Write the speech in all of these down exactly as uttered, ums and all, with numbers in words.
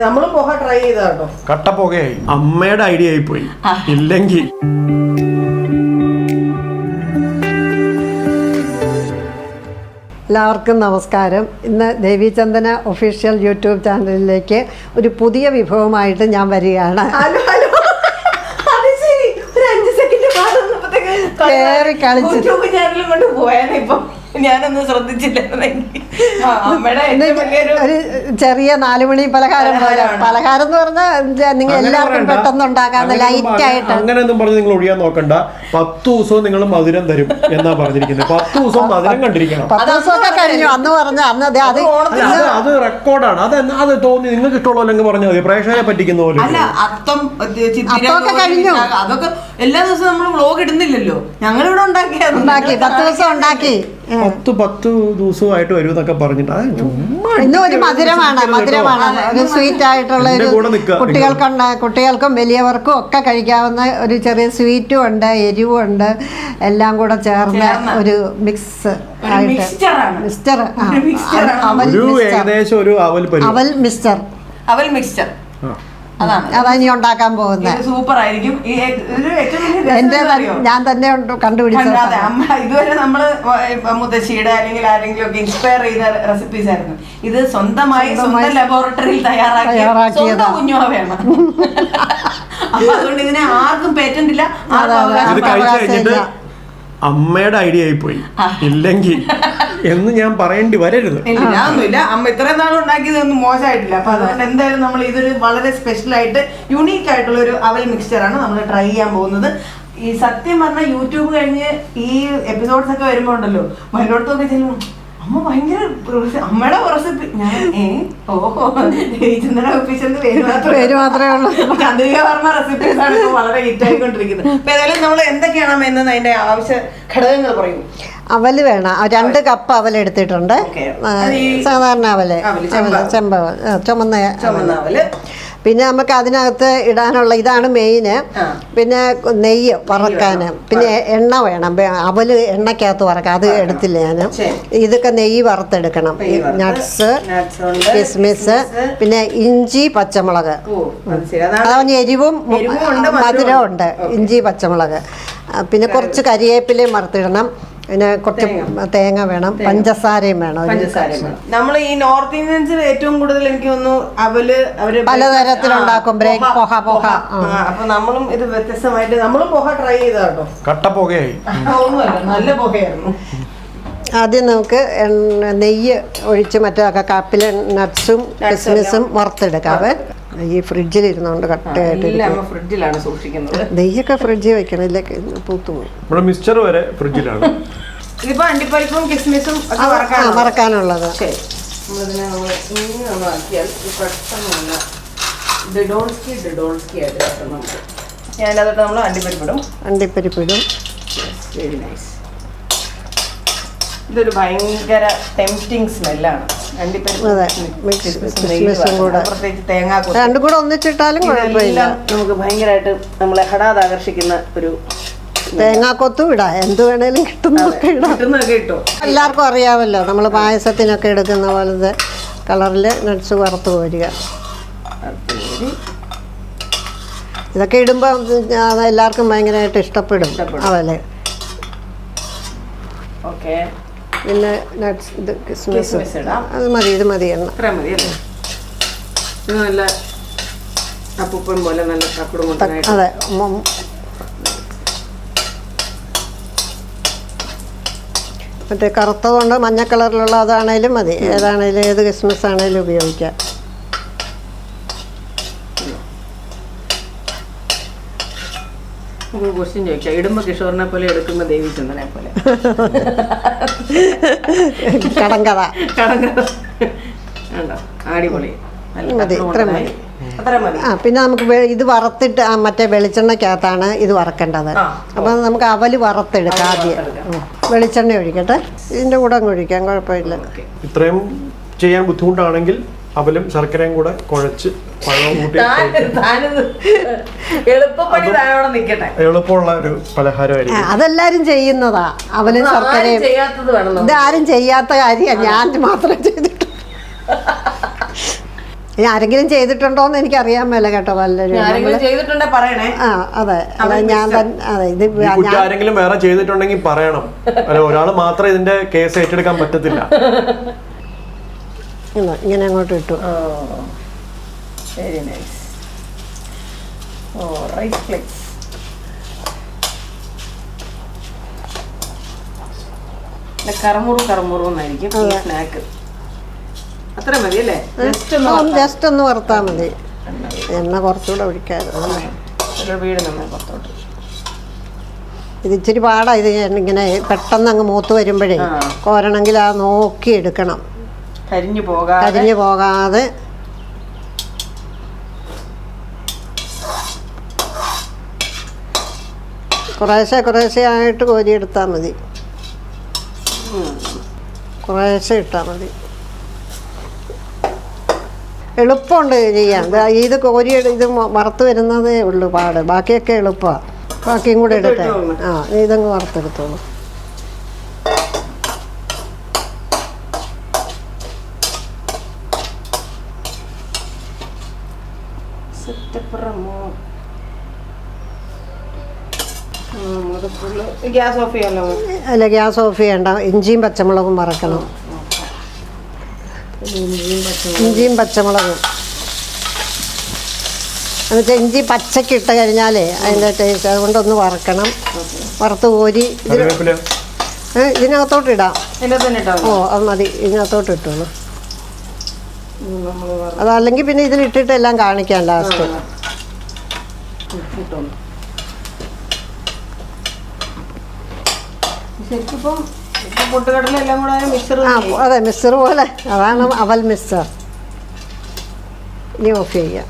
നമ്മൾ പോഹ ട്രൈ ചെയ്താ കേട്ടോ. കട്ട പുകയായി. അമ്മയുടെ ഐഡിയ ആയി പോയി. ഇല്ലെങ്കിൽ എല്ലാവർക്കും നമസ്കാരം. ഇന്ന് ദേവീചന്ദന ഒഫീഷ്യൽ യൂട്യൂബ് ചാനലിലേക്ക് ഒരു പുതിയ വിഭവമായിട്ട് ഞാൻ വരികയാണ്. ഹലോ ഹലോ, അത് ശരി. ഒരു അഞ്ച് സെക്കൻഡ് കേറി കളിച്ച് യൂട്യൂബ് ചാനലും കൊണ്ട് പോയാലേ ഇപ്പം ഞാനൊന്നും ശ്രദ്ധിച്ചില്ലായിരുന്നെങ്കിൽ. ഒരു ചെറിയ നാലുമണി പലഹാരം പോലെ. പലഹാരം എന്ന് പറഞ്ഞാൽ നിങ്ങൾ എല്ലാവർക്കും പെട്ടെന്ന് ഉണ്ടാക്കാവുന്ന ലൈറ്റ് ആയിട്ട്. അങ്ങനെയൊന്നും പറഞ്ഞ് നിങ്ങൾ ഒഴിയാൻ നോക്കണ്ട. പത്ത് ദിവസവും നിങ്ങൾ മധുരം തരും എന്നാ പറഞ്ഞിരിക്കുന്നത്. പത്ത് ദിവസവും മധുരം കണ്ടിരിക്കണം. പത്ത് ദിവസമൊക്കെ കഴിഞ്ഞു അന്ന് പറഞ്ഞ അന്ന് അത് അത് റെക്കോർഡാണ്. അത് അത് തോന്നി നിങ്ങൾക്ക് ഇഷ്ടമുള്ളതെങ്കിൽ പറഞ്ഞാൽ മതി. പ്രേക്ഷകരെ പറ്റിക്കുന്ന പോലെ അത്തൊക്കെ കഴിഞ്ഞു. അതൊക്കെ എല്ലാ ദിവസവും നമ്മൾ വ്ലോഗ് ഇടുന്നില്ലല്ലോ. ഞങ്ങളിവിടെ ഉണ്ടാക്കി ഉണ്ടാക്കി പത്ത് ദിവസം ഉണ്ടാക്കി പത്ത് പത്ത് ദിവസമായിട്ട് വരും എന്നൊക്കെ പറഞ്ഞിട്ട് ഇന്നും ഒരു മധുരമാണ് മധുരമാണ് ഒരു സ്വീറ്റ് ആയിട്ടുള്ള ഒരു കുട്ടികൾക്കുണ്ട്. കുട്ടികൾക്കും വലിയവർക്കും ഒക്കെ കഴിക്കാവുന്ന ഒരു ചെറിയ സ്വീറ്റും ഉണ്ട്, എരിവും ഉണ്ട്, എല്ലാം കൂടെ ചേർന്ന് ഒരു മിക്സ് ആയിട്ട് മിക്സ്ചർ. ഏകദേശം ഒരു അവൽ അവൽ മിക്സ്ചർ അവൽ മിക്സ്ചർ അതാ ഇനി ഉണ്ടാക്കാൻ പോകുന്നത്. സൂപ്പർ ആയിരിക്കും. എന്റെ ഞാൻ തന്നെ കണ്ടുപിടിച്ചത്. ഇതുവരെ നമ്മള് മുത്തശ്ശിയുടെ അല്ലെങ്കിൽ ആരെങ്കിലും ഒക്കെ ഇൻസ്പയർ ചെയ്ത റെസിപ്പീസ് ആയിരുന്നു. ഇത് സ്വന്തമായി സ്വന്തം ലബോറട്ടറിയിൽ തയ്യാറാക്കിയ കുഞ്ഞുവാവയാണ്. അപ്പൊ അതുകൊണ്ട് ഇതിനെ ആർക്കും പേറ്റന്റ് ഇല്ല. അമ്മയുടെ ഐഡിയ ആയി പോയി. ഇല്ലെങ്കിൽ എന്ന് ഞാൻ പറയേണ്ടി വരരുത്. ഞാനൊന്നുമില്ല. അമ്മ ഇത്രയും നാളും ഉണ്ടാക്കിയതൊന്നും മോശമായിട്ടില്ല. അപ്പൊ അതുകൊണ്ട് എന്തായാലും നമ്മൾ ഇതൊരു വളരെ സ്പെഷ്യൽ ആയിട്ട് യുണീക്ക് ആയിട്ടുള്ള ഒരു അവൽ മിക്സ്ചറാണ് നമ്മൾ ട്രൈ ചെയ്യാൻ പോകുന്നത്. ഈ സത്യം പറഞ്ഞാൽ യൂട്യൂബ് കഴിഞ്ഞ് ഈ എപ്പിസോഡ്സ് ഒക്കെ വരുമ്പോ ഉണ്ടല്ലോ വല്ലോടത്തൊക്കെ ചെല്ലും അമ്മ ഭയങ്കര അമ്മയുടെ റെസിപ്പി. ഞാൻ ഏ ഓഹോ ചന്ദ്രന ഒഫീഷ്യൽ പേര് മാത്രമേ ഉള്ളൂ. ചന്ദ്രിക പറഞ്ഞ റെസിപ്പീസ് ആണ് ഇപ്പൊ വളരെ ഹിറ്റ് ആയിക്കൊണ്ടിരിക്കുന്നത്. അപ്പൊ ഏതായാലും നമ്മൾ എന്തൊക്കെയാണ് എന്ന് അതിന്റെ ആവശ്യ ഘടകങ്ങൾ പറയും. അവല് വേണം. രണ്ട് കപ്പ് അവൽ എടുത്തിട്ടുണ്ട്. സാധാരണ അവല് ചെമ്പ ചുമന്ന ചുമന്ന അവല്. പിന്നെ നമുക്ക് അതിനകത്ത് ഇടാനുള്ള ഇതാണ് മെയിന്. പിന്നെ നെയ്യ് വറക്കാന്, പിന്നെ എണ്ണ വേണം. അവല് എണ്ണക്കകത്ത് വറക്കാം. അത് എടുത്തില്ല ഞാൻ. ഇതൊക്കെ നെയ്യ് വറുത്തെടുക്കണം. നട്ട്സ്, കിസ്മിസ്, പിന്നെ ഇഞ്ചി, പച്ചമുളക്. അതാണ് എരിവും മധുരവും ഉണ്ട്. ഇഞ്ചി, പച്ചമുളക്, പിന്നെ കുറച്ച് കരിവേപ്പിലയും വറുത്തിടണം. പിന്നെ കുറച്ച് തേങ്ങ വേണം, പഞ്ചസാരയും വേണം. നമ്മൾ ഈ നോർത്ത് ഇന്ത്യൻസിൽ ഏറ്റവും കൂടുതൽ എനിക്ക് തോന്നുന്നു അവല് അവര് പലതരത്തിലുണ്ടാക്കും. ബ്രേക്ക് പോഹ പോഹ. അപ്പൊ നമ്മളും ഇത് വ്യത്യസ്തമായിട്ട് നമ്മളും പോഹ ട്രൈ ചെയ്താ കേട്ടോ. കട്ട പുകയായി. ഒന്നുമല്ല, നല്ല പുകയായിരുന്നു. ആദ്യം നമുക്ക് നെയ്യ് ഒഴിച്ച് മറ്റേ കപ്പില് നട്ട്സും കിസ്മിസും വറുത്തെടുക്കാവേ. ഈ ഫ്രിഡ്ജിൽ ഇരുന്നോണ്ട് കട്ടയായിട്ട് ഫ്രിഡ്ജിലാണ് സൂക്ഷിക്കുന്നത്. നെയ്യൊക്കെ ഫ്രിഡ്ജിൽ വെക്കണം, ഇല്ല പൂത്തു പോകും. മിക്സ്ചർ വരെ ഫ്രിഡ്ജിലാണ്. ഇതിപ്പോ അണ്ടിപ്പരിപ്പും കിസ്മിസും വറക്കാനുള്ളത്. ഞാനതൊക്കെ നമ്മൾ അണ്ടിപ്പരിപ്പിടും അണ്ടിപ്പരിപ്പിടും വെരി നൈസ്. ഇതൊരു ഭയങ്കര ടെംപ്റ്റിംഗ് സ്മെല്ലാണ്. രണ്ടും കൂടെ ഒന്നിച്ചിട്ടാലും കുഴപ്പമില്ല. നമുക്ക് ഭയങ്കരമായിട്ട് നമ്മളെ ഹഠാത് ആകർഷിക്കുന്ന ഒരു തേങ്ങാക്കൊത്തും ഇടാം. എന്ത് വേണേലും കിട്ടുന്നതൊക്കെ കിട്ടുന്നതൊക്കെ ഇട്ടോ. എല്ലാവർക്കും അറിയാമല്ലോ നമ്മൾ പായസത്തിനൊക്കെ എടുക്കുന്ന പോലത്തെ കളറിൽ നട്ട്സ് വറുത്ത് കോരുക. ഇതൊക്കെ ഇടുമ്പോൾ എല്ലാവർക്കും ഭയങ്കരമായിട്ട് ഇഷ്ടപ്പെടും അവല്. ഓക്കെ. പിന്നെ നട്ട്സ്, ഇത് കിസ്മിസ് അത് മതി. ഇത് മതി എണ്ണ. നല്ല അപ്പൂപ്പൻ പോലെ നല്ല അതെ. മറ്റേ കറുത്തതുകൊണ്ട് മഞ്ഞ കളറിലുള്ള അതാണേലും മതി. ഏതാണേലും ഏത് കിസ്മിസ് ആണേലും ഉപയോഗിക്കാം. ക്വസ്റ്റ്യൻ ചോദിക്കാം. ഇടുമ്പോ കിഷോറിനെ പോലെ എടുക്കുമ്പോ ദേവീചന്ദ്രനെ പോലെ കടങ്കഥ കടങ്കഥ അടിപൊളി. മതി, ഇത്ര മതി. ആ പിന്നെ നമുക്ക് ഇത് വറുത്തിട്ട് മറ്റേ വെളിച്ചെണ്ണക്കകത്താണ് ഇത് വറക്കേണ്ടത്. അപ്പം നമുക്ക് അവല് വറുത്തെടുക്കാം. ആദ്യം വെളിച്ചെണ്ണ ഒഴിക്കട്ടെ. ഇതിൻ്റെ കൂടെ അങ്ങ് ഒഴിക്കാം, കുഴപ്പമില്ല. ഇത്രയും ചെയ്യാൻ ബുദ്ധിമുട്ടാണെങ്കിൽ അവലും ശർക്കരയും കൂടെ കുഴച്ച് എളുപ്പമുള്ള ഒരു പലഹാരമായിരിക്കും. അതെല്ലാരും ചെയ്യുന്നതാ. അവലും ശർക്കരയും. ഇതാരും ചെയ്യാത്ത കാര്യമാണ്, ഞാൻ മാത്രം ചെയ്തിട്ട്. ഇനി ആരെങ്കിലും ചെയ്തിട്ടുണ്ടോന്ന് എനിക്ക് അറിയാൻ മേല കേട്ടോ പലരും. ആരെങ്കിലും ചെയ്തിട്ടുണ്ടെ പറയണേ. ആ അതെ അതെ ഞാൻ തന്നെ അതെ ഇത് ഈ കുറ്റം ആരെങ്കിലും വേറെ ചെയ്തിട്ടുണ്ടെങ്കിൽ പറയണം. അല്ല ഒരാൾ മാത്രം ഇതിന്റെ കേസ് ഏറ്റെടുക്കാൻ പറ്റത്തില്ല. ഇങ്ങനെ അങ്ങോട്ട് ഇട്ടു. Very nice. Oh right flex. കറമുറു കറമുറു എന്നായിരിക്കും ഈ സ്നാക്ക്. അത്ര മതി അല്ലേ? ജസ്റ്റ് ഒന്ന് വറുത്താൽ മതി. എണ്ണ കുറച്ചുകൂടെ ഒഴിക്കാതെ വീട് നമ്മൾ പുറത്തോട്ട്. ഇത് ഇച്ചിരി പാടാ. ഇത് ഇങ്ങനെ പെട്ടെന്ന് അങ്ങ് മൂത്ത് വരുമ്പോഴേ കോരണമെങ്കിൽ ആ നോക്കി എടുക്കണം, കരിഞ്ഞു പോകാതെ കരിഞ്ഞു പോകാതെ. കുറേശ്ശെ കുറേശ്ശെ ആയിട്ട് കോരിയെടുത്താൽ മതി. കുറേശ്ശെ ഇട്ടാൽ മതി. എളുപ്പമുണ്ട് ചെയ്യാൻ. ഇത് കോരി ഇത് വറുത്ത് വരുന്നതേ ഉള്ളൂ പാട്. ബാക്കിയൊക്കെ എളുപ്പമാണ്. ബാക്കിയും കൂടെ എടുത്തേ. ആ ഇതങ്ങ് വറുത്തെടുത്തോളൂ. ഗ്യാസ് ഓഫ് ചെയ്യാലോ? അല്ല ഗ്യാസ് ഓഫ് ചെയ്യണ്ട. ഇഞ്ചിയും പച്ചമുളകും വറക്കണം. ഇഞ്ചിയും പച്ചമുളകും എന്നുവെച്ചാൽ ഇഞ്ചി പച്ചക്ക് ഇട്ട് കഴിഞ്ഞാലേ അതിൻ്റെ ടേസ്റ്റ്. അതുകൊണ്ടൊന്ന് വറക്കണം. വറുത്ത് കോരി ഇതിനകത്തോട്ട് ഇടാം. ഓ അത് മതി. ഇതിനകത്തോട്ട് ഇട്ടോളൂ. അതല്ലെങ്കിൽ പിന്നെ ഇതിലിട്ടിട്ട് എല്ലാം കാണിക്കാം ലാസ്റ്റ്. ആ അതെ മിക്സർ പോലെ. അതാണ് അവൽ മിക്സർ. ഇനി ഓഫ് ചെയ്യാം.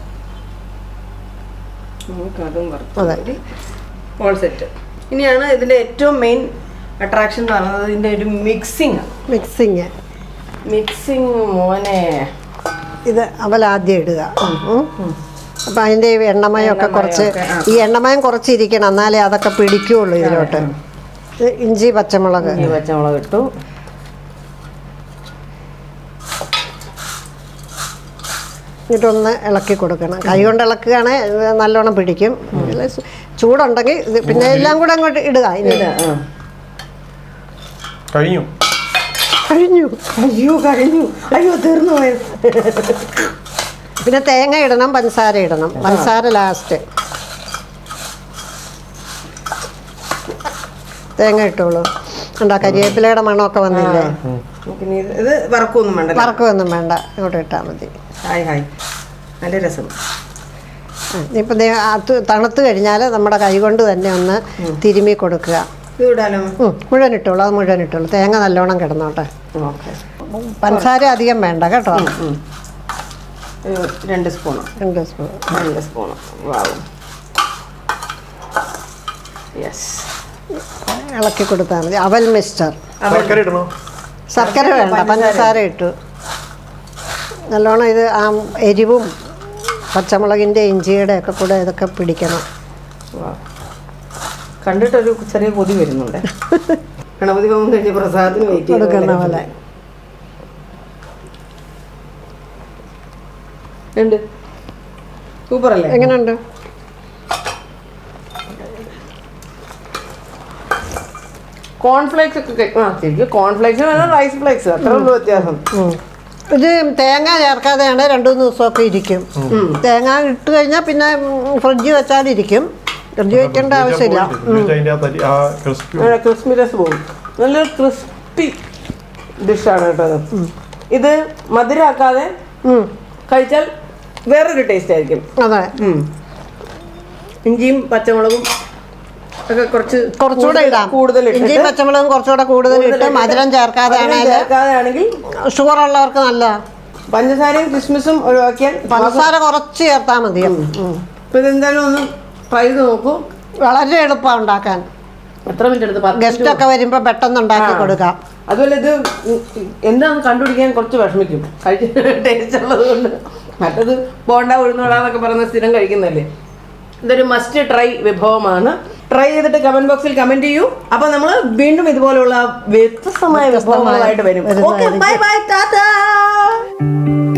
അതെ സെറ്റ്. ഇനിയാണ് ഇതിന്റെ ഏറ്റവും മെയിൻ അട്രാക്ഷൻ എന്ന് പറയുന്നത് ഇതിന്റെ ഒരു മിക്സിങ്. മിക്സിങ് മിക്സിങ് മോനെ. ഇത് അവൽ ആദ്യം ഇടുക. അപ്പം അതിൻ്റെ എണ്ണമയമൊക്കെ കുറച്ച് ഈ എണ്ണമയം കുറച്ചിരിക്കണം, എന്നാലേ അതൊക്കെ പിടിക്കുകയുള്ളൂ ഇതിലോട്ട്. ഇഞ്ചി പച്ചമുളക് ഇഞ്ചി പച്ചമുളക് ഇട്ടു. എന്നിട്ടൊന്ന് ഇളക്കി കൊടുക്കണം. കൈ കൊണ്ട് ഇളക്കുകയാണെങ്കിൽ നല്ലോണം പിടിക്കും. ചൂടുണ്ടെങ്കിൽ ഇത് പിന്നെ എല്ലാം കൂടെ അങ്ങോട്ട് ഇടുക. ഇനി കഴിഞ്ഞു കഴിഞ്ഞു അയ്യോ കഴിഞ്ഞു അയ്യോ തീർന്നു പോയത്. പിന്നെ തേങ്ങ ഇടണം, പഞ്ചസാര ഇടണം. പഞ്ചസാര ലാസ്റ്റ്. തേങ്ങ ഇട്ടോളൂ. ഉണ്ടാ കരിവേപ്പിലയുടെ മണമൊക്കെ വന്നില്ലേ? ഇത് വറക്കൊന്നും വേണ്ട. വറക്കൊന്നും വേണ്ട. ഇങ്ങോട്ട് ഇട്ടാൽ മതി. ഹായ് ഹായ് നല്ല രസം. ഇപ്പം അത് തണുത്ത് കഴിഞ്ഞാൽ നമ്മുടെ കൈ കൊണ്ട് തന്നെ ഒന്ന് തിരുമ്മി കൊടുക്കുക. മുഴുവൻ ഇട്ടോളൂ. അത് മുഴുവൻ ഇട്ടോളൂ. തേങ്ങ നല്ലോണം കിടന്നോട്ടെ. പഞ്ചസാര അധികം വേണ്ട കേട്ടോ. രണ്ട് സ്പൂണ് രണ്ട് സ്പൂൺ രണ്ട് സ്പൂണ് യെസ്. ഇളക്കി കൊടുത്താൽ മതി. അവൽ മിക്സ്ചർ. ശർക്കര വേണ്ട, പഞ്ചസാര ഇട്ടു. നല്ലോണം ഇത് ആ എരിവും പച്ചമുളകിൻ്റെ ഇഞ്ചിയുടെ ഒക്കെ കൂടെ ഇതൊക്കെ പിടിക്കണം. കണ്ടിട്ടൊരു ചെറിയ കൊതി വരുന്നുണ്ട്. ഗണപതി ഹോമം കഴിഞ്ഞ് പ്രസാദത്തിന് വെയിറ്റ് കൊടുക്കുന്ന പോലെ ഉണ്ട്. സൂപ്പർ അല്ലേ? എങ്ങനെയുണ്ട്? കോൺഫ്ലേക്സ് ഒക്കെ ആ ശരിക്കും കോൺഫ്ലേക്സ് റൈസ് ഫ്ലേക്സ് അത്ര ഉള്ളൂ വ്യത്യാസം. ഇത് തേങ്ങ ചേർക്കാതെയാണ് രണ്ടു മൂന്ന് ദിവസമൊക്കെ ഇരിക്കും. തേങ്ങ ഇട്ട് കഴിഞ്ഞാൽ പിന്നെ ഫ്രിഡ്ജ് വെച്ചാലിരിക്കും. ഫ്രിഡ്ജ് വെക്കേണ്ട ആവശ്യമില്ല. ക്രിസ്പിനെസ് പോകും. നല്ലൊരു ക്രിസ്പി ഡിഷാണ് കേട്ടോ. ഇത് മധുരമാക്കാതെ കഴിച്ചാൽ വേറൊരു ടേസ്റ്റ് ആയിരിക്കും. അതെ. ഇഞ്ചിയും പച്ചമുളകും ഒക്കെ കുറച്ച് കുറച്ചുകൂടെ ഇടാം. കൂടുതൽ ഇഞ്ചിയും പച്ചമുളകും കുറച്ചുകൂടെ കൂടുതൽ ഇട്ട് മധുരം ചേർക്കാതെ ചേർക്കാതെയാണെങ്കിൽ ഷുഗർ ഉള്ളവർക്ക് നല്ലതാണ്. പഞ്ചസാരയും ക്രിസ്മസും ഒഴിവാക്കിയാൽ പഞ്ചസാര കുറച്ച് ചേർത്താൽ മതി. ഇപ്പൊ ഇതെന്തായാലും ഒന്ന് ട്രൈ ചെയ്ത് നോക്കൂ. വളരെ എളുപ്പമാണ് ഉണ്ടാക്കാൻ. എത്ര മിനിറ്റ് എടുത്ത്? ഗസ്റ്റ് ഒക്കെ വരുമ്പോൾ പെട്ടെന്ന് ഉണ്ടാക്കി കൊടുക്കാം. അതുപോലെ ഇത് എന്താണെന്ന് കണ്ടുപിടിക്കാൻ കുറച്ച് വിഷമിക്കും കഴിച്ച് ടേസ്റ്റ് ഉള്ളത് കൊണ്ട്. മറ്റത് ബോണ്ട ഉഴുന്നോടാന്നൊക്കെ പറയുന്ന സ്ഥിരം കഴിക്കുന്നതല്ലേ. ഇതൊരു മസ്റ്റ് ട്രൈ വിഭവമാണ്. ട്രൈ ചെയ്തിട്ട് കമന്റ് ബോക്സിൽ കമന്റ് ചെയ്യൂ. അപ്പൊ നമ്മൾ വീണ്ടും ഇതുപോലുള്ള വ്യത്യസ്തമായ വിഭവങ്ങളായിട്ട് വരും. Okay bye bye Tata.